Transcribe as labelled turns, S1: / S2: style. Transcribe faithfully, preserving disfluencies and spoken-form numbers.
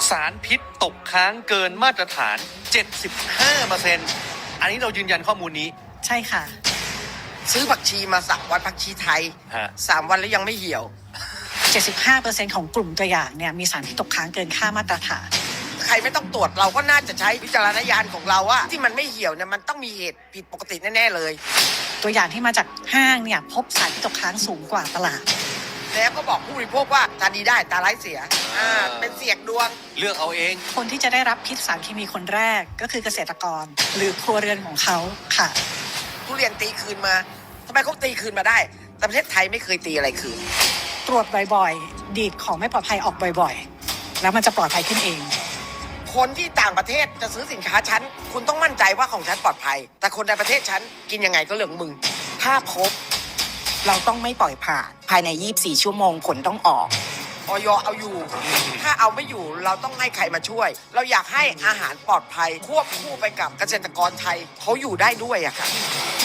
S1: สารพิษตกค้างเกินมาตรฐาน เจ็ดสิบห้าเปอร์เซ็นต์ อันนี้เรายืนยันข้อมูลนี้
S2: ใช่ค่ะ
S3: ซื้อผักชีมาสามวันผักชีไทยสามวันแล้วยังไม่เหี่ยว
S2: เจ็ดสิบห้าเปอร์เซ็นต์ ของกลุ่มตัวอย่างเนี่ยมีสารพิษตกค้างเกินค่ามาตรฐาน
S3: ใครไม่ต้องตรวจเราก็น่าจะใช้วิจารณญาณของเราว่าที่มันไม่เหี่ยวเนี่ยมันต้องมีเหตุผิดปกติแน่ๆเลย
S2: ตัวอย่างที่มาจากห้างเนี่ยพบสารพิษตกค้างสูงกว่าตลาด
S3: แล้วก็บอกผู้บริโภคว่าตาดีได้ตาร้ายเสียอ่าเป็นเสียกดวง
S1: เลือกเอาเอง
S2: คนที่จะได้รับพิษสารเคมีคนแรกก็คือเกษตรกรหรือครัวเรือนของเขาค่ะ
S3: ทุเรียนตีคืนมาทำไมเขาตีคืนมาได้แต่ประเทศไทยไม่เคยตีอะไรคืน
S2: ตรวจบ่อยๆดีดของไม่ปลอดภัยออกบ่อยๆแล้วมันจะปลอดภัยขึ้นเอง
S3: คนที่ต่างประเทศจะซื้อสินค้าฉันคุณต้องมั่นใจว่าของฉันปลอดภัยแต่คนในประเทศฉันกินยังไงก็เรื่องมึงถ้าพบ
S4: เราต้องไม่ปล่อยผ่านภายในยี่สิบสี่ชั่วโมงผลต้องออก
S3: อย.เอาอยู่ถ้าเอาไม่อยู่เราต้องให้ใครมาช่วยเราอยากให้อาหารปลอดภัยควบคู่ไปกับเกษตรกรไทยเขาอยู่ได้ด้วยอะค่ะ